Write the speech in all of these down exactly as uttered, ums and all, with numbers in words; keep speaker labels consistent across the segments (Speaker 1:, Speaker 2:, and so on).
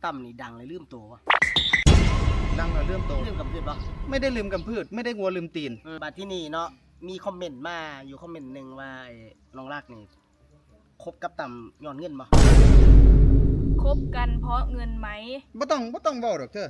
Speaker 1: ตั้มนี่ดังเลยลืมตัววะ
Speaker 2: ดังเลยลืมตัว
Speaker 1: ลืมกำพืชปะ
Speaker 2: ไม่ได้ลืมกำพืชไม่ได้งัวลืมตีน
Speaker 1: บัดที่นี่เนาะมีคอมเมนต์มาอยู่คอมเมนต์หนึ่งว่าน้องรักนี่คบกับตั้มย้อนเงินปะ
Speaker 3: คบกันเพราะเงินไหม
Speaker 2: บ่ต้องบ่ต้องบอกหรอกเธอ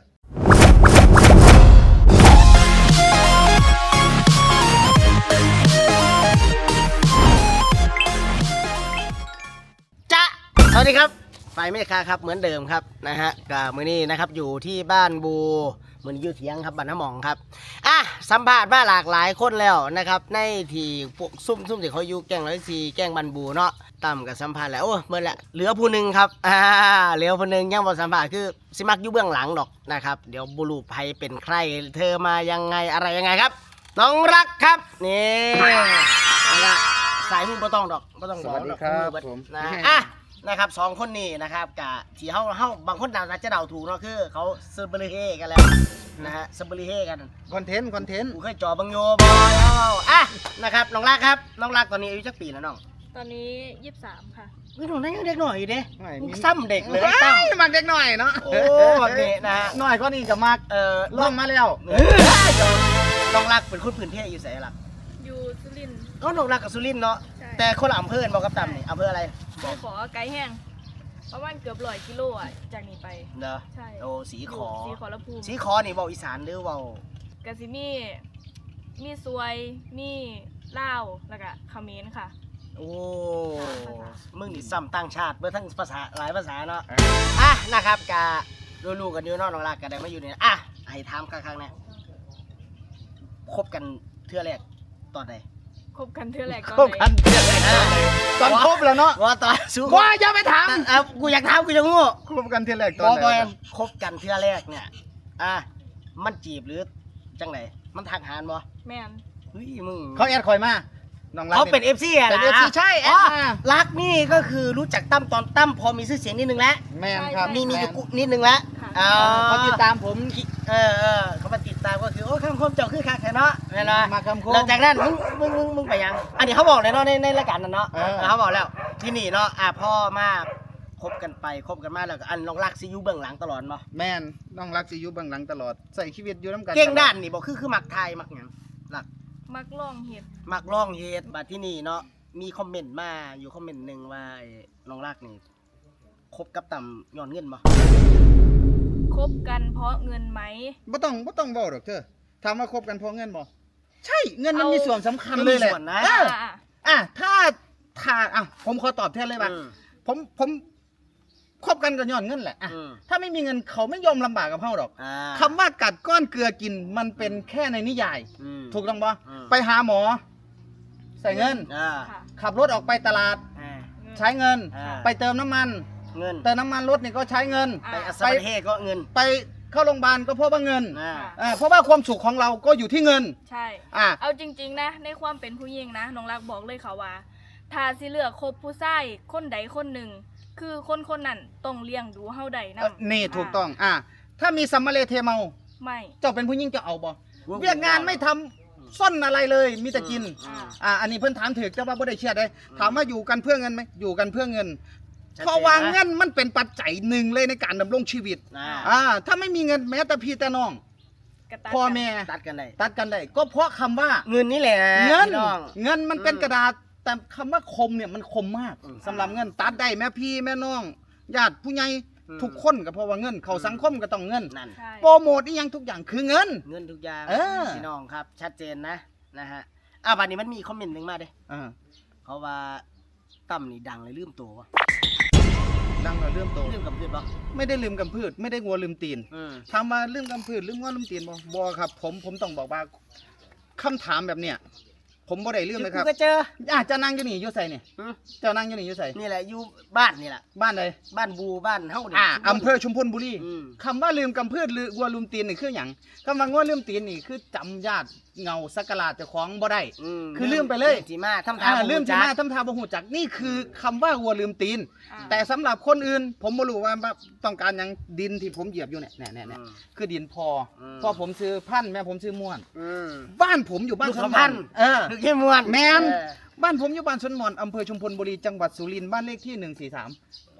Speaker 1: จ๊ะสวัสดีครับไฟเมฆาครับเหมือนเดิมครับนะฮะกับมือนี้นะครับอยู่ที่บ้านบูมือนี้อยู่เถียงครับบ้านน้ำหมองครับอ่ะสัมภาษณ์มาหลากหลายคนแล้วนะครับในที่พวกซุ่มซุ่มที่เขาอยู่แกงร้อยสี่แกงบันบูเนาะตั้มกับสัมภาษณ์แล้วโอ้เมื่อละเหลือผู้หนึ่งครับอ่าเหลือผู้หนึ่งยังบ่สัมภาษณ์คือสิมักอยู่เบื้องหลังดอกนะครับเดี๋ยวบุรุษภัยเป็นใครเธอมายังไงอะไรยังไงครับน้องรักครับนี่นะสายหูบ่ต้องดอกบ่ต้องบอกดอกผมนะอ่ะนะครับสองคนนี้นะครับกะที่เฮาเฮาบางคนเดาจะเดาถูกเนาะคือเขาเซอร์เบริเฮกันแล้วนะฮะเซอร์เบริเฮกัน
Speaker 2: คอนเทนต์คอนเทนต์
Speaker 1: กูเคยจ่อบังโยบอยแล้วอ่ะนะครับน้องรักครับน้องรักตอนนี้อายุจักปีแล้วน้อง
Speaker 3: ตอนนี้ยี่สิบสามค่ะ
Speaker 1: นี่น้องนั้นยังเด็กหน่อยอยู่เด้ซ้ำเด็กเลย
Speaker 2: ตั้มมักเด็กหน่อยเนาะ
Speaker 1: โอ้แบบนี้นะฮะ
Speaker 2: หน่อยก็นี่กับมักเอ่อล่องมาแล้ว
Speaker 1: น้องรักเป็นคนพื้นเพอยู่ไสล่ะ
Speaker 3: อยู่สุรินทร์
Speaker 1: ก็น้องรักกับสุรินทร์เนาะแต่คนละอำเภอบอกกับตั้มนี่อำเภออะไร
Speaker 3: บอกขอไกลแห้งประมาณเกือบร้อยกิโลอ่ะจากนี้ไป
Speaker 1: เนาะ
Speaker 3: ใช่
Speaker 1: โอ้สีขอ
Speaker 3: สีขอละภูมิ
Speaker 1: สีขอนี่เว้าอีสานหรือเว้าก
Speaker 3: ะสิมีมีซวยมีลาวแล้วก็เขมรค่ะ
Speaker 1: โอ้มึงนี่ซ้ำต่างชาติเมื่อทั้งภาษาหลายภาษาเนาะอ่ะนะครับกะรู้ๆกันอยู่เนาะน้องรักกันได้มาอยู่นี่อ่ะให้ถามครั้งๆเนี่ยคบกันเทื่อแรกตอนไหน
Speaker 3: คบกันเทื่อแรกตอนไหน
Speaker 2: คบกันเทื่อแรกตอนคบแล้วเนาะ
Speaker 1: ว่าตอนสู้
Speaker 2: ว่าอย่าไปถาม
Speaker 1: อ่ะกูอยากถามกูจะงู
Speaker 2: คบกันเทื่อแรกตอนไหน
Speaker 1: คบกันเทื่อแรกเนี่ยอ่ะมันจีบหรือจังไหนมันทักหาบ่
Speaker 3: แม่น
Speaker 1: เฮ้ยมึง
Speaker 2: เขาแอดคอยมาน้องรัก
Speaker 1: เขาเป็น เอฟ ซี อ่ะนะ
Speaker 2: เป็น เอฟ ซี ใช่แอดมา
Speaker 1: รักนี่ก็คือรู้จักตั้มตอนตั้มพอมีชื่อเสียงนิดนึงแล้ว
Speaker 2: แม่นครับ
Speaker 1: มีมีนิดนึงแล้ว
Speaker 2: อ๋อเขาติดตามผม
Speaker 1: เออเออเขามาติดตามก็คือโอ้คำคมเจ้าคือคักแท้เนาะเห็นไหม
Speaker 2: มาคำคม
Speaker 1: หลังจากนั้นมึงมึงมึงมึงไปยังอันนี้เขาบอกเลยเนาะในในรายการนั้นเนาะเขาบอกแล้วที่นี่เนาะอ่ะพ่อมาคบกันไปคบกันมาแล้วก็อันน้องรักซียูเบื้องหลังตลอดบ่
Speaker 2: แม่นน้องรักซียูเบื้องหลังตลอดใส่ชีวิตอยู่น้ำกัน
Speaker 1: เก่งด้านนี่บอกคือคือมักไทยมักหยังรัก
Speaker 3: มักล่องเห็ด
Speaker 1: มักล่องเห็ดบัดที่นี่เนาะมีคอมเมนต์มาอยู่คอมเมนต์หนึ่งว่าน้องรักนี่คบกับตั้มย้อนเงินบ่
Speaker 3: คบกันเพราะเงินไหม
Speaker 2: บ่ต้องบ่ต้องบอกหรอกเธอถามว่าคบกันเพราะเงินบ่ใช่เงินมันมีส่วนสำคัญเลยแหละอ่ะถ้าถ้าอ่ะผมขอตอบแทนเลยว่าผมผมคบกันก็ย้อนเงินแหละอ่ะถ้าไม่มีเงินเขาไม่ยอมลำบากกับเฮาหรอกคำว่ากัดก้อนเกลือกินมันเป็นแค่ในนิยายถูกต้องบ่ไปหาหมอใส่เงินขับรถออกไปตลาดใช้เงินไปเติมน้ำมัน
Speaker 1: เงิน
Speaker 2: เติมน้ำมันรถนี่ก็ใช้เงิน
Speaker 1: ไปอัศประเทศก็เงิน
Speaker 2: ไปเข้าโรงพยาบาลก็เพราะว่าเงินอ่าเพราะว่าความสุขของเราก็อยู่ที่เงิน
Speaker 3: ใช่อ่าเอาจริงๆนะในความเป็นผู้หญิงนะน้องรักบอกเลยค่ะว่าถ้าสิเลือกคบผู้ชายคนใดคนหนึ่งคือคนคนนั้นต้องเลี้ยงดูเฮาได้นะ
Speaker 2: นี่ถูกต้องอ่าถ้ามีสัมมาเลเทเมา
Speaker 3: ไม่
Speaker 2: เจ้าเป็นผู้หญิงจะเอาบ่เวียกงานไม่ทำซ่อนอะไรเลยมีแต่กินอ่าอันนี้เพิ่นถามถึกเจ้าว่าบ่ได้เชื่อได้ถามว่าอยู่กันเพื่อเงินไหมอยู่กันเพื่อเงินเพราะว่าเงินมันเป็นปัจจัยหนึ่งเลยในการดำรงชีวิตอ่าถ้าไม่มีเงินแม้แต่พี่แต่น้องพ่อแม่
Speaker 1: ตัดกันได้
Speaker 2: ตัดกันได้ก็เพราะคำว่า
Speaker 1: เงินนี่แหละ
Speaker 2: เงินเงินมันเป็นกระดาษแต่คำว่าคมเนี่ยมันคมมากสำหรับเงินตัดได้แม่พี่แม่น้องญาติผู้ใหญ่ทุกคนก็เพราะว่าเงินเขาสังคมก็ต้องเงินโปรโมทนี่ยังทุกอย่างคือเงิน
Speaker 1: เงินทุกอย่างพี่น้องครับชัดเจนนะนะฮะอ่ะวันนี้มันมีคอมเมนต์หนึ่งมาเด้เขาว่าตั้มนี่ดังเลยลืมตัววะ
Speaker 2: ดังเลยลืมตัว
Speaker 1: ลืมกำพืชปะ
Speaker 2: ไม่ได้ลืมกำพืชไม่ได้งัวลืมตีนถามว่าลืมกำพืชลืมงัวลืมตีนบ่บ่ครับผมผมต้องบอกว่าคำถามแบบเนี้ยผมบ่ได้ลืมเลยครับ
Speaker 1: ก็เจอ
Speaker 2: อ่ะจะนั่งอยู่นี่อยู่ใส่เนี่ยเจ้านั่งอยู่นี่อยู่ใส่
Speaker 1: นี่แหละอยู่บ้านนี่แหละ
Speaker 2: บ้านใด
Speaker 1: บ้านบูบ้านเฮา
Speaker 2: อ่าอำเภอชุมพลบุรีคำว่าลืมกำพืชหรืองัวลืมตีนนี่คือหยังคำว่างัวลืมตีนนี่คือจำญาติเงาสักการะเจ้าของบ่ได้คือลืมไปเลย
Speaker 1: จีมาทำทา
Speaker 2: ลืมจีมาทำทาบ่ฮู้จักนี่คือคำว่างัวลืมตีนแต่สำหรับคนอื่นผมบ่รู้ว่าต้องการหยังดินที่ผมเหยียบอยู่เนี่ยเนี่ยเนี่ยคือดินพอพอผมซื้อพันธุ์แม่ผมซื้อม่วนบ้านผมอยู่บ้านสวนพันธุ์เออ
Speaker 1: คือแค่ม่วน
Speaker 2: แม่นบ้านผมอยู่บ้านสวนม่วนอำเภอชุมพลบุรีจังหวัดสุรินทร์บ้านเลขที่หนึ่งสี่สาม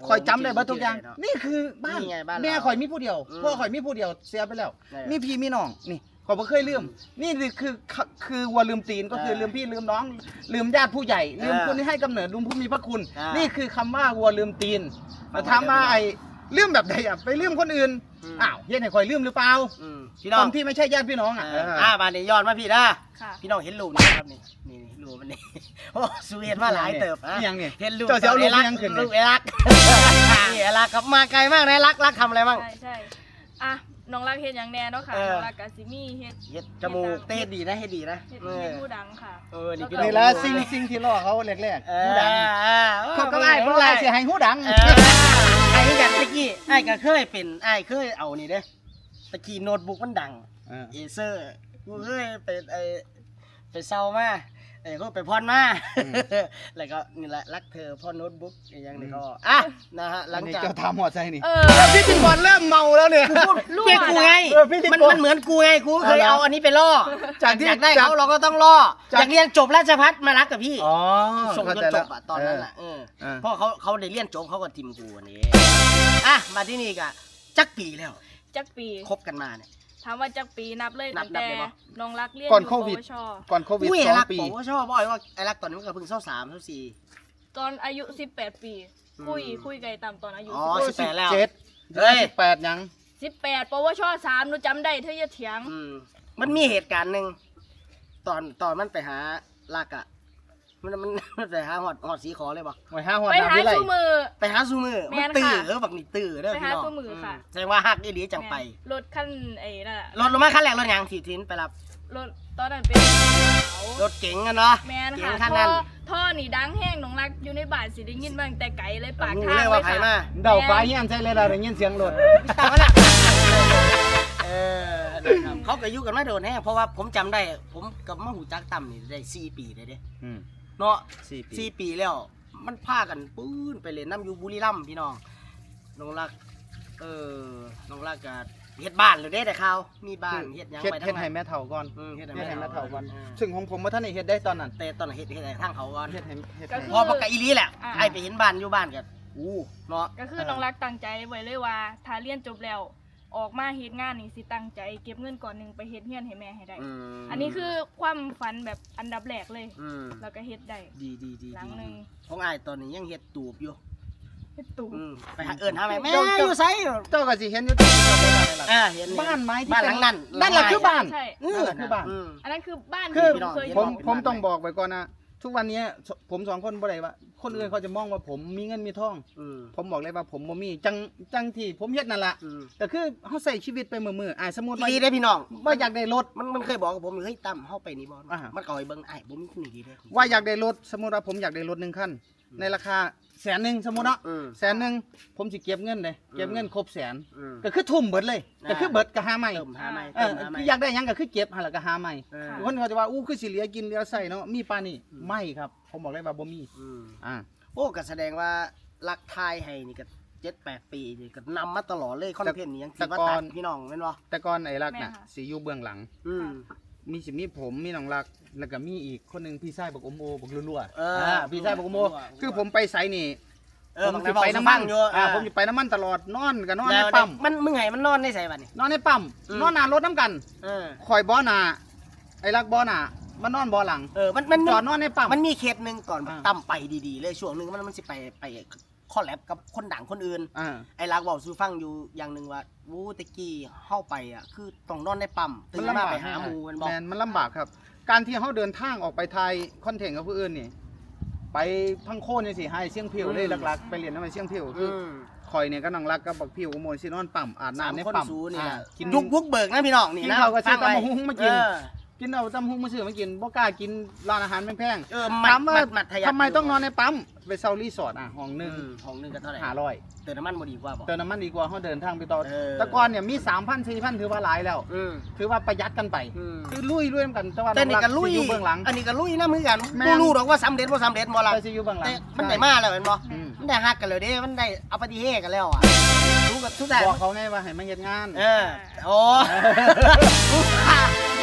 Speaker 2: คอยจำได้เบิดทุกอย่าง
Speaker 1: เนาะ
Speaker 2: นี่คือบ้าน
Speaker 1: นี่ไงบ้านเรา
Speaker 2: แม่ข่อยมีผู้เดียว
Speaker 1: อืม
Speaker 2: พ่อข่อยมีผู้เดียวเสียไปแล้ว
Speaker 1: นี่
Speaker 2: มีพี่มีน้องนี่ข่อยบ่เคยลืมนี่คือคือคือวัวลืมตีนก็คือ
Speaker 1: เออ
Speaker 2: ลืมพี่ลืมน้อง ลืมญาติผู้ใหญ่ลืม
Speaker 1: เออ
Speaker 2: คนที่ให้กำเนิดลืมผู้มีพระคุณ
Speaker 1: อ่านี่
Speaker 2: นี่คือคำว่าวัวลืมตีน
Speaker 1: ฟัง
Speaker 2: แต่ถามว่า
Speaker 1: ไว้
Speaker 2: ไอ้ลืมแบบใดอ่ะไปลืมคนอื่น
Speaker 1: อืม
Speaker 2: อ้าวเฮ็ดให้ข่อยลืมหรือเปล่า
Speaker 1: อืมพี่น้อ
Speaker 2: ค
Speaker 1: ง
Speaker 2: นที่ไม่ใช่ญาติพี่น้องอ่ะ
Speaker 1: เออ
Speaker 2: เออ
Speaker 1: อ่ามาเนี่ยย้อนมาพี่นะ
Speaker 3: ค่ะ
Speaker 1: พี่น้องเห็นรูปนี่ครับนี่นี่นี่รูปมันนี่ โอ้สูเห็นมาหลายเติบอะ
Speaker 2: นี่ยังนี่
Speaker 1: เห็นรูป
Speaker 2: เจ้าสิเอารูป
Speaker 1: ไอ้รัก
Speaker 2: ยังขึ้น
Speaker 1: รูปไอ้รัก นี่ไอ้รักครับมาไกลมากนะไอ้รักรักทำอะไรบ้าง
Speaker 3: ใช่ใช่อ่ะน้องรักเฮ็ดอย่างแน่เนาะค่ะ
Speaker 1: เออ
Speaker 3: น้องรักกับซิมี่เฮ็ด
Speaker 1: เฮ็ดจมูกเต้ดีนะเฮ็ดดีนะ
Speaker 3: เฮ็ด
Speaker 1: เอ
Speaker 3: เฮ็
Speaker 1: อ
Speaker 3: ดผู้ดังค่ะ
Speaker 1: เออนี่พี่
Speaker 2: นี่
Speaker 1: อง
Speaker 2: ละสิ่งสิ่งที่ล่อเขาแรก
Speaker 1: เอ
Speaker 2: ๆ
Speaker 1: อ
Speaker 2: หูดัง
Speaker 1: อ่า
Speaker 2: เขาก็ไอ้เพราะว่าเสียหายหูดัง
Speaker 1: เออไอ้ที่กันตะกี้ไอ้ก็เคยเป็นไอ้เคยเอานี่เด้ตะกี้โน้ตบุ๊กมันดัง
Speaker 2: เออ
Speaker 1: เอเซอร์กูเคยไปไอไปเซามาไอ้ก็ไปพรมา
Speaker 2: อืม
Speaker 1: แล้วก็นี่แหละรักเธอพ่อโน้ตบุ๊กอย่างนี้
Speaker 2: อืม
Speaker 1: ก็อ่ะนะฮะหลัง
Speaker 2: นี่
Speaker 1: จาก
Speaker 2: เจ้าทำหัวใจนี่
Speaker 3: เออ
Speaker 2: พี่จิงบอลเริ่มเมาแล้วเนี่ย
Speaker 3: รั่ว
Speaker 1: เพื่อนกูไง
Speaker 2: เออพี่ติ๊ก
Speaker 1: มัน
Speaker 2: โก
Speaker 1: มันเหมือนกูไงกูเคย
Speaker 2: เอาละ
Speaker 1: เอาอันนี้ไปล่อ
Speaker 2: จากที่
Speaker 1: อยากได้
Speaker 2: จาก
Speaker 1: เขาเราก็ต้องล่อ
Speaker 2: จาก
Speaker 1: อยากเรียนจบราชภัฏมารักกับพี่
Speaker 2: อ๋อ
Speaker 1: ส่ง
Speaker 2: เข้า
Speaker 1: จ
Speaker 2: ใจ
Speaker 1: นจ
Speaker 2: แล้ว
Speaker 1: บอะตอนนั้นอะเออ
Speaker 2: เออ
Speaker 1: เพราะเขาเขาได้เรียนจบเขาก็ทิมกูอันนี้อ่ะมาที่นี่กะจักปีแล้ว
Speaker 3: จักปี
Speaker 1: คบกันมาเนี่ย
Speaker 3: ถามว่าจักปีนับเลย
Speaker 1: นั
Speaker 3: ตั้
Speaker 1: บ
Speaker 3: ง
Speaker 1: นับ
Speaker 3: แต่
Speaker 1: เลยปะ
Speaker 3: น้องรักเรียน
Speaker 2: ก่อน
Speaker 3: ยู่
Speaker 2: โควิด
Speaker 3: ปวช
Speaker 2: ก่อนโควิด
Speaker 1: อุ้ย
Speaker 2: ส
Speaker 1: ไอ้
Speaker 2: อง
Speaker 1: รัก
Speaker 2: ปี
Speaker 1: ผมก็ชอบบ่อยว่าไอ้รักตอนนี้มันก็เพิ่งเศร้าสามเศร้าสี่
Speaker 3: ตอนอายุสิบแปดปี
Speaker 1: อืม
Speaker 3: คุยคุยไกลต่ำตอนอายุ
Speaker 1: อ๋อ
Speaker 3: สิบ
Speaker 1: สิบแปดแล้ว
Speaker 2: เจ็ด
Speaker 1: เฮ้ย
Speaker 2: สิบแปดยัง
Speaker 3: สิบแปดปวชสามหนูจำได้เธออย่าเถียง
Speaker 1: อืมมันมีเหตุการณ์หนึ่งตอนตอนมันไปหาลักอะมันมันมันไปหาหอดหอดสีขอเลยบ่
Speaker 2: หวยห้าหัว
Speaker 3: ไป
Speaker 2: ดา
Speaker 3: หา
Speaker 2: วิไล
Speaker 3: ซูมือ
Speaker 1: ไปหาซูมือ
Speaker 3: แม่
Speaker 1: มัน
Speaker 3: น
Speaker 1: ตื่อ
Speaker 3: ค่ะ
Speaker 1: เออบักนี่ตื่อเด้อ
Speaker 3: ไป
Speaker 1: พี่
Speaker 3: หา
Speaker 1: น้อง
Speaker 3: ซูมือค่ะ
Speaker 1: แสดงว่าฮักอีหลีจังไป
Speaker 3: รถขั้นไอ้นั่นน่ะ
Speaker 1: รถลงมาขั้นแรกรถหยังสีทินไปรับ
Speaker 3: รถตอนนั้นเป็นเขา
Speaker 1: รถเก๋งกันเนาะ
Speaker 3: แมน
Speaker 1: เก๋
Speaker 3: ค่ะ
Speaker 1: งคัน
Speaker 3: ท่
Speaker 1: นั้
Speaker 3: อน ท่อนี่ดังแห้งน้องรักอยู่ในบ้านสิได้ยินมาตั้งแต่ไกลเลยปาก
Speaker 1: รู้
Speaker 3: ทาง
Speaker 1: เลยว่าไผมา
Speaker 2: เดาฟ้าเงี้ยนใช่เลยเราได้ยินเสียงรถ
Speaker 1: ตามมาละเออนะครับเขาก็อยู่กันมาโดนแน่เพราะว่าผมจำได้ ผมกับมาหูจักต่ำนี่ได้สี่ปีเลยเด้
Speaker 2: อืม
Speaker 1: เนาะ
Speaker 2: สี่ปี
Speaker 1: สี่ปีแล้ว มันพากันปื้นไปเล่นน้ำอยู่บุรีรัมย์พี่น้องน้องรัก เออน้องรักก็เฮ็ดบ้านเลยเด้แต่ข่าวมีบ้านเฮ็ดหยัง
Speaker 2: เฮ็ด
Speaker 1: ไป
Speaker 2: เฮ็
Speaker 1: ทั้
Speaker 2: ด
Speaker 1: ง
Speaker 2: ให้
Speaker 1: นั้น
Speaker 2: แม่เฒ่าก่อน
Speaker 1: อืมเฮ็ดให้
Speaker 2: เฮ็ดให้
Speaker 1: แม่
Speaker 2: แม่
Speaker 1: เฒ่า
Speaker 2: เฒ่าก่อน
Speaker 1: อืม
Speaker 2: ซึ่งของผมว่าท่านนี่เฮ็ดได้ตอนนั้น
Speaker 1: แต่ตอนนั้นเฮ็ดเฮ็ดให้ทางเขาก่อน
Speaker 2: เฮ็ดให้เฮ็ด
Speaker 3: ก็
Speaker 2: ให้
Speaker 3: คื
Speaker 1: พอปากกะอีหลีแหละไอ้ไปเห็นบ้านอยู่บ้านก็อู้เนาะ
Speaker 3: ก็คือน้องรักตั้งใจไว้เลยว่า ถ้าเรียนจบแล้ว ออกมาเฮ็ดงานนี่สิตั้งใจเก็บเงินก่อนหนึ่งไปเฮ็ดเฮียนให้แม่ให้ได้
Speaker 1: อืม
Speaker 3: อันนี้คือความฝันแบบอันดับแรกเลย
Speaker 1: อืม
Speaker 3: แล้วก็เฮ็ดได้
Speaker 1: ดีดีดี
Speaker 3: หลัง
Speaker 1: ดี
Speaker 3: หนึ่ง
Speaker 1: ของไอ้ายตอนนี้ยังเฮ็ดตูบอยู่
Speaker 3: เฮ็ดตู่
Speaker 1: อืมไปหาเอิ้นหาแม่แม่อยู่ไส
Speaker 2: เจ้าก็สิเห็นอยู่ที่เจ้าไปบ้านอะไรล่ะ
Speaker 1: อ่าเห็น
Speaker 2: บ้านไม้ที่
Speaker 1: บ้านหลังนั้น
Speaker 2: นั่นแหละคือบ้าน
Speaker 3: ใช่
Speaker 1: เออ
Speaker 2: นั่นแหละคือบ้าน
Speaker 1: อืม
Speaker 3: อันนั้นคือบ้าน
Speaker 2: คือ
Speaker 3: ที่เคย
Speaker 2: ผม
Speaker 1: เป็น
Speaker 2: ผม
Speaker 1: บ้าน
Speaker 2: ต้องบอกไว้ก่อนนะทุกวันนี้ผมสองคนบ่ได้ว่า คนอื่นเขาจะมองว่าผมมีเงินมีทอง
Speaker 1: อืม
Speaker 2: ผมบอกเลยว่าผมบ่มีจังจังที่ผมเฮ็ดนั่นล่ะ
Speaker 1: อืม
Speaker 2: แต่คือเฮาใส่ชีวิตไปมื้อๆอ่าสมมุติว่า
Speaker 1: ดีได้พี่น้อง
Speaker 2: ว่าอยากได้รถ
Speaker 1: มันมันเคยบอกกับผมเฮ้ยตั้มเข้าไปนี่บอล
Speaker 2: อ่า
Speaker 1: มันก็ให้เบิ่งไอ้ผมนี่ดีเด้
Speaker 2: ว่าอยากได้รถสมมุติว่าผมอยากได้รถหนึ่งคันในราคาแสนหนึ่งสมมุติเนาะ
Speaker 1: อืม
Speaker 2: แสนหนึ่งผมสิเก็บเงินเลยเก็บเงินครบแสน
Speaker 1: อืม
Speaker 2: ก็คือทุ่มเบิดเลย
Speaker 1: อ่า
Speaker 2: ก็คือเบิดก็หาใหม่
Speaker 1: เติมหาใหม่
Speaker 2: เอ
Speaker 1: เติ
Speaker 2: อ
Speaker 1: มหาใหม่
Speaker 2: คืออยากได้หยังก็คือเก็บหาแล้วก็หาใหม่
Speaker 1: เออ
Speaker 2: คนเขาจะว่าอู้คือสิเหลือกินเหลือใส่เนาะมีปานนี่
Speaker 1: อืม
Speaker 2: ไม่ครับ ผมบอกเลยว่าบ่มี
Speaker 1: อืม
Speaker 2: อ่า
Speaker 1: โอ้ก็แสดงว่ารักทายให้นี่ก็เจ็ดแปดปีนี่ก็นำมาตลอดเลยคอนเทนต์นี้ยังถือว่าตัดพี่น้องแม่นบ่
Speaker 2: แต่ก่อนไอ้รักน่ะสิอยู่เบื้องหลัง
Speaker 1: อืม
Speaker 2: มีสิมีผมมีน้องรัก แล้วก็มีอีกคนหนึงพี่ชายบักอมโอบักรัวๆ
Speaker 1: เอออ่
Speaker 2: พี่ชายบักอมโอ
Speaker 1: รัวๆ
Speaker 2: คือผมไปไสนี่
Speaker 1: เออ
Speaker 2: ผม
Speaker 1: บาง
Speaker 2: สิ
Speaker 1: ที
Speaker 2: ไป
Speaker 1: ไป
Speaker 2: น้ำ
Speaker 1: น้ำ
Speaker 2: มั
Speaker 1: มัน นอยู่
Speaker 2: อ่าผมสิไปน้ำมันตลอดนอนก็นอนใน
Speaker 1: แล้ว
Speaker 2: ปั๊ม
Speaker 1: มันมึงให้มันนอนในใส่บัดนี่
Speaker 2: นอนในปั๊ม
Speaker 1: อืม
Speaker 2: นอนหน้ารถน้ำกัน
Speaker 1: เออ
Speaker 2: คอยบ่อหน้าไอ้รักบ่อหน้ามันนอนบ่อหลัง
Speaker 1: เออมันมัน
Speaker 2: จอดนอนในปั๊ม
Speaker 1: มันมีเคสหนึงก่อน
Speaker 2: อ่า
Speaker 1: ตั้มไปดีๆเลยช่วงหนึงมันมันสิไปไปคอลแลบกับคนดังคนอื่น
Speaker 2: อ่า
Speaker 1: ไอ้รักบอกซูฟังอยู่อย่างหนึ่งว่าวูตะกี้เข้าไปอ่ะคือต้องนอนในปั๊มตื่นมาไปหาหมูมันบอก
Speaker 2: แมนมันลำบากครับ การที่เขาเดินทางออกไปไทยคอนเทนต์กับผู้อื่นนี่ ไปพังโคนนี่สิให้เสี่ยงผิวเลยหลักๆ ไปเรียนทำไมเสี่ยงผิวคือ
Speaker 1: อืม
Speaker 2: คอยเนี่ยก็น้องรักกับบักผิวกับโมนสินอนปั๊มอาบ
Speaker 1: สาม
Speaker 2: น้ำใน
Speaker 1: คน
Speaker 2: ปั๊ม
Speaker 1: สูนี่
Speaker 2: อ่า
Speaker 1: นะ
Speaker 2: กิน
Speaker 1: ยุกบุกเบิกนะพี่น้องนี่
Speaker 2: กิน
Speaker 1: นะ
Speaker 2: ข้าวกับซื้อ
Speaker 1: ฟังไว้
Speaker 2: ตำบักหุ่งมากิน
Speaker 1: เออ
Speaker 2: กินเอาตำหุ้งมาซื้อมากินบ่กล้ากินร้านอาหารแพง
Speaker 1: เออ
Speaker 2: ๆ
Speaker 1: มัด
Speaker 2: ถามว่า
Speaker 1: มัดมัดทะยัก
Speaker 2: ทำไมต้องนอนในปั๊มไปเซารีสอร์ทอ่ะห้องห
Speaker 1: อื
Speaker 2: นึ่ง
Speaker 1: มของหนึงก็เท่าไหร่
Speaker 2: ห้าร้อย
Speaker 1: เติมน้ำมันบ่ดีกว่าบอก
Speaker 2: เติมน้ำมันดีกว่าเขาเดินทางไปต่อ
Speaker 1: เออ
Speaker 2: แต่ก่อนเนี่ยมีสามพันสี่พันถือว่าหลายแล้ว
Speaker 1: อืม
Speaker 2: ถือว่าประหยัดกันไป
Speaker 1: อืม
Speaker 2: คือลุยลุยกันแต่ว่า
Speaker 1: แต่นี่ก็ลุย
Speaker 2: สิอยู่เบื้องหลัง
Speaker 1: อันนี้ก็ลุยนะมือกัน
Speaker 2: แม่
Speaker 1: บ่
Speaker 2: น
Speaker 1: รู้หรอกว่าสำเร็จบ่สำเร็จบ่ล่ะ
Speaker 2: ไปสิอยู่เบื้องหลัง
Speaker 1: แต่มันได้มาแล้วเห็นบ่
Speaker 2: อืม
Speaker 1: มันได้ฮักกันเลยเด้มันได้เอาปฏิเฮกันแล้วอ่ะรู้กับทุกแต่
Speaker 2: บอกเขาไงว่าให้มาเฮ็ดงาน
Speaker 1: เออโอ้ อุตส่าห์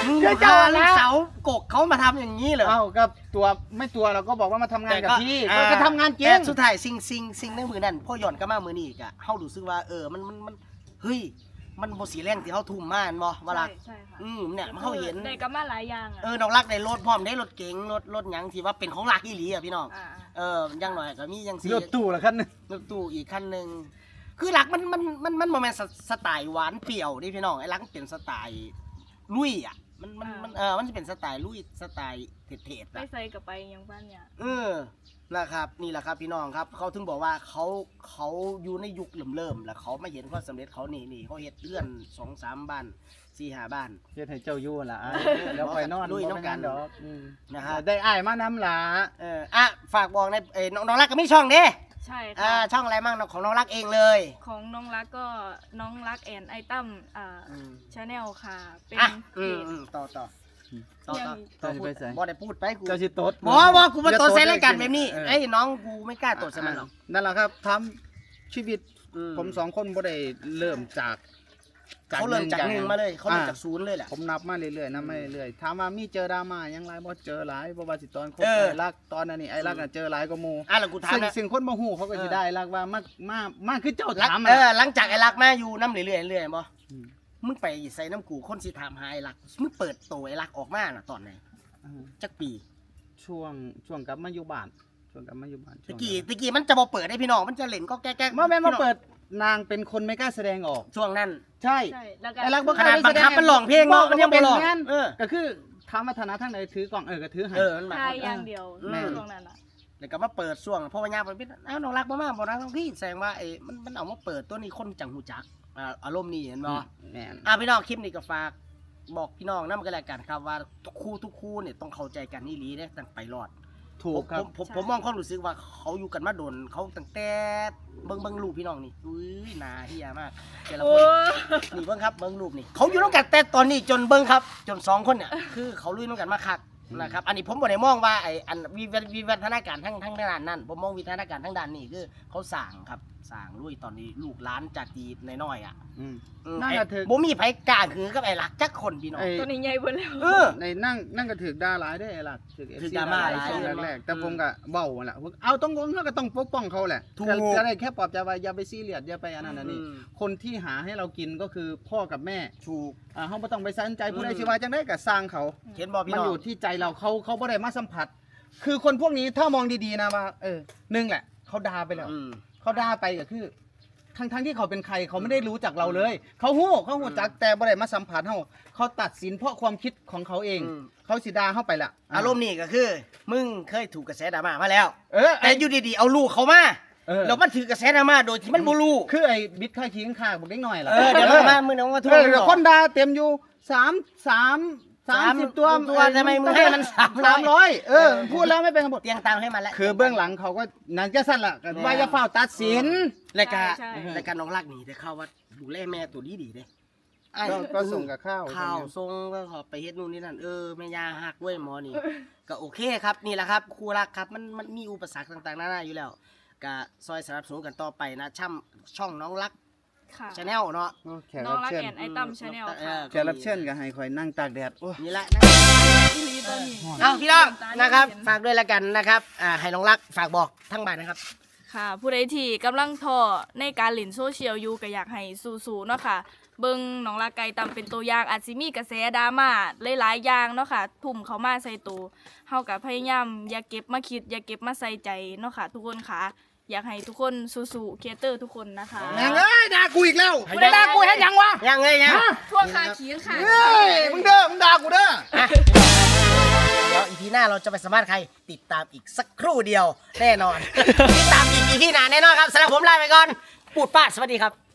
Speaker 1: มึง
Speaker 2: เจ้า
Speaker 1: พา
Speaker 2: ละ
Speaker 1: ลูกสาวกกเขามาทำอย่างนี้เหรอ
Speaker 2: เอ้าก็ตัวไม่ตัวเราก็บอกว่ามาทำงานกับพี่
Speaker 1: อ่
Speaker 2: ก็ทำงานจริ
Speaker 1: แต่
Speaker 2: ง
Speaker 1: สุดท้ายสิ่งสิ่งสิ่งในมือนั่นพ่อหย่อนก็มามือนี่อีกอะเฮารู้สึกว่าเออมันมันมันเฮ้ยมันบ่สีแรงที่เฮาทุ่มมาอันบ่ว่าล่ะ
Speaker 3: ใช่ใช่ค่ะ
Speaker 1: อืมเนี่ยมันเฮาเห็น
Speaker 3: ได้กลับมาหลายอย่างอ่ะ
Speaker 1: เออน้องรักได้รถพร้อมได้รถเก๋งรถรถหยังที่ว่าเป็นของรักอีหลีอ่ะพี่น้อง
Speaker 3: อ่า
Speaker 1: เอออย่างหน่อยก็มีจังซี่
Speaker 2: รถตู้ละคันหนึง
Speaker 1: รถตู้อีกคันหนึงคือรักมันมันมันมันบ่แม่นสสไตล์หวานเปรี้ยวนี่พี่น้องไอ้รักมันเป็นสไตล์ลุยอ่ะมันมันมันเออมันจะเป็นสไตล์ลุยสไตล์เผ็ดๆ
Speaker 3: ไป
Speaker 1: อ่ะ
Speaker 3: ใส่กับไปยังบ้านเนี่ย
Speaker 1: เออนะครับนี่แหละครับพี่น้องครับเขาถึงบอกว่าเขาเขาอยู่ในยุคเริ่มเริ่มๆแล้วเขามาเห็นความสำเร็จเขานี่นี่เขาเฮ็ดเลื่อนสองสามบ้านสี่ห้าบ้าน
Speaker 2: เฮ็ดให้เจ้าอยู่ล่ะแล้วค่อยนอน
Speaker 1: ลุยน้ำกัน
Speaker 2: บ่เป็หยังดอกอืม
Speaker 1: นะฮะ
Speaker 2: ได้อ้ายมาน้ำหลา
Speaker 1: เอออ่ะฝากบอกในเอ้ยน้องน้องรักก็ไม่ช่องเด้
Speaker 3: ใช่
Speaker 1: อ่า
Speaker 3: ค่ะ
Speaker 1: ช่องอะไรมั่งของน้องรักเองเลย
Speaker 3: ของน้องรักก็น้องรักแอนไอตั้มอ่า
Speaker 1: อืม
Speaker 3: ชาแนลค่ะ เป็น
Speaker 1: อ่ะ
Speaker 3: เพ
Speaker 1: อืม
Speaker 3: จ
Speaker 1: อืมต่อต่อต่อต่อ
Speaker 3: ยัง
Speaker 1: ต่อพูดบ่ได้พูดไปกู
Speaker 2: เจ้าสิโตด
Speaker 1: บ่บ่กูมาตดใส่รายการแบบนี้
Speaker 2: เออ
Speaker 1: ไอ้ยน้องกูไม่กล้าตดใส่มันหรอก
Speaker 2: นั่นแหละครับทำชีวิต
Speaker 1: อื
Speaker 2: ผมสองคนบ่ได้เริ่มจาก
Speaker 1: เขาเริ่มจากหนึ่งมาเลยเขาเริ่ม
Speaker 2: อ่
Speaker 1: จากศูนย์เลยแหละ
Speaker 2: ผมนับมาเรื่อยๆนับมาเรื่อยๆถามว่ามีเจอดราม่ายังไรบ่เจอหลายบ่ว่าสิตอนคบ
Speaker 1: เออ
Speaker 2: ไอ้รักตอนนั้นนี่ไอ้รักน่ะเจอหลายกว่าหมู่
Speaker 1: อ่ะแล้วกูถาม
Speaker 2: ซึ่ง
Speaker 1: นะ
Speaker 2: สิ่งคนบ่ฮู้เขาก็สิ
Speaker 1: เออ
Speaker 2: ได้รักว่ามามามาคือเจ้า
Speaker 1: รัก
Speaker 2: ถาม
Speaker 1: เอ
Speaker 2: อะ
Speaker 1: อหลังจากไอ้รักมาอยู่น้ำเรื่อยๆเรื่อยๆบ่
Speaker 2: ม
Speaker 1: มึงไปใส่น้ำกูคนสิถามหาไอ้รักมึงเปิดตัวไอ้รักออกมาน่ะตอนไหน
Speaker 2: อ่า
Speaker 1: จักปี
Speaker 2: ช่วงช่วงกลับมาอยู่บ้านช่วงกลับมาอยู่บ้าน
Speaker 1: ตะกี้ตะกี้มันจะบ่เปิดให้พี่น้องมันจะเล่นก็แก๊กๆ
Speaker 2: มาแม่นมา
Speaker 1: พี่น้อง
Speaker 2: เปิดนางเป็นคนไม่กล้าแสดงออก
Speaker 1: ช่วงนั้น
Speaker 2: ใช่
Speaker 3: ใช่แล้วก็
Speaker 2: ไอ้รักบ่
Speaker 1: ขนาดบังคับมันร้องเพลงเนาะมันยังบ่ร้อง
Speaker 2: แม่น
Speaker 1: เออ
Speaker 2: ก็คือถามว่าฐานะทางไหนถือกล่องเออก็ถือให้
Speaker 1: เออมันมา
Speaker 3: ทายอย่างเดียว
Speaker 1: แม่
Speaker 3: ช่วงนั้นอ่ะ
Speaker 1: แล้วก็มาเปิดช่วงเพราะว่ายามมันเป็นอ้าวน้องรักบ่มาบ่รักน้องพี่แสดงว่าไอ้มันมันเอามาเปิดตัวนี้คนจังหูจักอ่าอารมณ์นี้เห็นบ่
Speaker 2: แม่น
Speaker 1: อ่ะพี่น้องคลิปนี้ก็ฝากบอกพี่น้องนำกันแล้วกันครับว่าทุกคู่ทุกคู่เนี่ยต้องเข้าใจกันนี่ลีเด้ตั้งไปรอด
Speaker 2: ถูกครับ
Speaker 1: ผมผมผมมองความรู้สึกว่าเขาอยู่กันมาโดนเขาตั้งแต่เบิ่งเบิ่งรูปพี่น้องนี่อุ้ยหนาเฮียมากแต่ละ
Speaker 3: โอ้
Speaker 1: คนนี่เบิ่งครับเบิ่งรูปนี่เขาอยู่น้ำกันแต่ตอนนี้จนเบิ่งครับ จนสองคนเนี่ยคือเขาลุยน้ำกันมาคักนะครับอันนี้ผมบ่ได้มองว่าไอ้อันวิวัฒวิวัฒนาการทั้งทั้งด้านนั้นผมมองวิวัฒนาการทั้งด้านนี้คือเขาสร้างครับสร้างลุยตอนนี้ลูกหลานจากจีน้อยๆอ่ะ
Speaker 2: อืม
Speaker 1: อืม
Speaker 2: นั่น
Speaker 1: ไอ้
Speaker 2: ก็ถือ
Speaker 1: บ่มีไผกล้าคือกับไอ้หลักจักคนพี่น้อง
Speaker 2: ไอ้
Speaker 3: ตัวนี้ใหญ่เบิดแล้ว
Speaker 1: เออ
Speaker 2: ในนั่งนั่งก็ถือด่าหลายได้อไอ้หลักถือ
Speaker 1: ถือ
Speaker 2: เอฟซี
Speaker 1: ดราม่า
Speaker 2: หลาย
Speaker 1: หลาย
Speaker 2: ช่วง
Speaker 1: เออ
Speaker 2: แรกๆแต่
Speaker 1: อืม
Speaker 2: ผมก็เว้าหั่นแหละเอาต้องงเขาก็ต้องปกป้องเขาแหละ
Speaker 1: ถูก
Speaker 2: ก็ก็ได้แค่ปลอบใจว่าอย่าไปซีเรียสอย่าไปอันนั้นอันนี้
Speaker 1: อืม
Speaker 2: คนที่หาให้เรากินก็คือพ่อกับแม่
Speaker 1: ถูก
Speaker 2: อ่าเขาไม่ต้องไปสนใจผู้ใด
Speaker 1: อืม
Speaker 2: สิว่าจังได้ก็สร้างเขา
Speaker 1: เห็นบ่พี่
Speaker 2: มัน
Speaker 1: น้อ
Speaker 2: อง ยู่ที่ใจเราเขาเขาไม่ได้มาสัมผัส คือคนพวกนี้ถ้ามองดีๆนะว่า เออหนึ่งแหละเขาด่าไปแล้ว
Speaker 1: อืม
Speaker 2: เขาด่าไปก็คือ ทั้งทั้งที่เขาเป็นใครเขาไม่ได้รู้จักเราเลย เขาหู้เขาหู้จักแต่บ่ได้มาสัมผัสเขาเขาตัดสินเพราะความคิดของเขาเอง
Speaker 1: อืม
Speaker 2: เขาสิด่าเข้าไปละ
Speaker 1: อารมณ์นี่ก็คือ มึงเคยถูกกระแสดราม่ามาแล้ว
Speaker 2: เออ
Speaker 1: แต่อยู่ดีๆเอาลูกเขามา
Speaker 2: เออ
Speaker 1: แล้วมันถือกระแสดราม่าโดยที่มันบ่รู้
Speaker 2: คือไอ้บิดค่าขี้ข้างข้างบอกได้หน่อยล่ะ
Speaker 1: เออเดี๋ยวมามึงเอามาทุ่
Speaker 2: เอ
Speaker 1: ม
Speaker 2: อเดี๋ยวคนด่าเต็มอยู่สามสามสามสิบตัว
Speaker 1: ตัวทำไมมึงให้มันสามร้
Speaker 2: สา
Speaker 1: อ
Speaker 2: ม
Speaker 1: ย
Speaker 2: ร้อยเออพูดแล้วไม่เป็นคำพูด
Speaker 1: เตียงตามให้มันแล้ว
Speaker 2: คือเบื้องหลังเขาก็นั่นจะสั้นล่ะก็ว่าจะเฝ้าตัดสิน
Speaker 1: รายการ
Speaker 3: ใช่ใช่
Speaker 1: รายการน้องรักนี่แต่เข้าว่าดูแลแม่ตัวดีดีๆเด้อ้าย
Speaker 2: ก็ก็ส่งกับข้าว
Speaker 1: ข้าวส่งก็ขอไปเฮ็ดนู่นนี่นั่นเออแม่ยาหักเว้ยหมอนี่ ก็โอเคครับนี่แหละครับครูรักครับมันมันมีอุปสรรคต่างๆนานาอยู่แล้วก็ซอยสนับสนุนกันต่อไปนะช่ำช่องน้องรัก
Speaker 3: ค่ะ
Speaker 1: ชาแนลเนาะ
Speaker 2: แขก
Speaker 3: น้อ
Speaker 2: รั
Speaker 3: ง
Speaker 2: บ
Speaker 3: รัก
Speaker 2: เชิญ
Speaker 3: แอนไอตั้มชาแนล
Speaker 1: เอ
Speaker 3: ค่ะ
Speaker 1: อ
Speaker 2: แขกรับเชิญก็ให้คอยนั่งตากแดดโอ้ย
Speaker 1: นี่แหละนะ
Speaker 3: ที่ลีตัวนี้
Speaker 1: เอาพี่น้องนะครับ ฝากด้วยละกันนะครับอ่าให้น้องรักฝากบอกทั้งบ้านนะครับ
Speaker 3: ค่ะ ผู้ใดที่กำลังท้อในการเล่นโซเชียลอยู่ก็อยากให้สู้ๆเนาะค่ะ เบิ่งน้องรักไก่ตำเป็นตัวอย่างอาจสิมีกระแสดราม่าหลายๆอย่างเนาะค่ะ ทุ่มเข้ามาใส่ตัวเฮาก็พยายามอย่าเก็บมาคิด อย่าเก็บมาใส่ใจเนาะค่ะ ทุกคนค่ะ อยากให้ทุกคนสู้ๆครีเอเตอร์ทุกคนนะคะ
Speaker 2: แม่งเอ้ยด่ากูอีกแล้ว
Speaker 1: ให้
Speaker 2: มึงด่ากูเห็นยังวะ
Speaker 1: ยังไงยัง
Speaker 3: ทั่วคาขีนค่ะ
Speaker 2: เฮ้ยมึงเด้อมึงด่ากูเด้อ
Speaker 1: อ่ะเดี๋ยวอีพีหน้าเราจะไปสัมภาษณ์ใครติดตามอีกสักครู่เดียวแน่นอน ติดตามอีกอีพีหน้าแน่นอนครับสำหรับผมลาไปก่อนปูดป้าดสวัสดีครับ